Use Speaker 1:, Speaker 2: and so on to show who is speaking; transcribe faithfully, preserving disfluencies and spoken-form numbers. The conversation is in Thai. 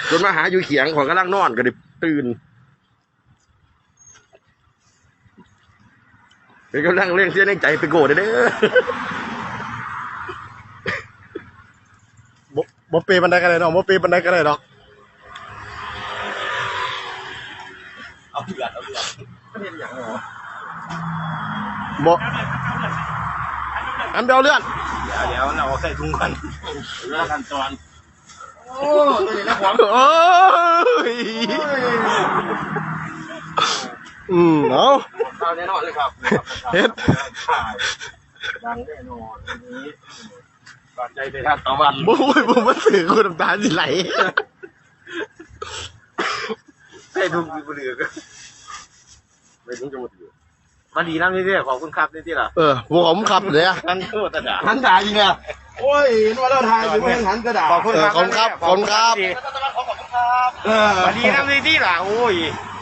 Speaker 1: จนมาหาอยู่เขียงของกำลังนอนก็ได้ตื่นเป็นกำลังเล่นเสียในใจไปโกรธเด้อ
Speaker 2: บ่บ่เปย์บันไดกันเลยดอกบ่เปย์บันไดกันเลยดอก
Speaker 1: เอาเดือดเอาเดือดเห็นอย่างเหรอ
Speaker 2: บ่อันเดียวเลื่อน
Speaker 1: เดี๋ยวเดี๋ยวเราใส่ถุงกันเรื่องขั้นตอนโอ้ตัวนี้นะหวัง
Speaker 2: โอ้ยอืมเอา
Speaker 1: ข้าวแน่นอนเลยครับ
Speaker 2: เฮ็ด
Speaker 1: ดังแน่นอนอันนี้บาดใจไปทางตะวัน
Speaker 2: บ่ยบ่มาสื่อคุณน้ำตาสิไหล
Speaker 1: ใส่ถุงมือเดือดไม่ถุงจะหมดอยู่มาดีน้ำนี่ที่ขอบคุณครับนี่ที่ล่ะ
Speaker 2: เออผมขับเลยอ่ะ
Speaker 1: หันโทษตาด่า
Speaker 2: หันด่าจริงอ่ะ
Speaker 1: โอ้ยเห็นว่าเราถ่ายอยู่ไม่หันตาด่า
Speaker 2: ขอบคุณครับขอบคุณครับ
Speaker 1: มาดีน้ำนี่ที่ล่ะโอ้ย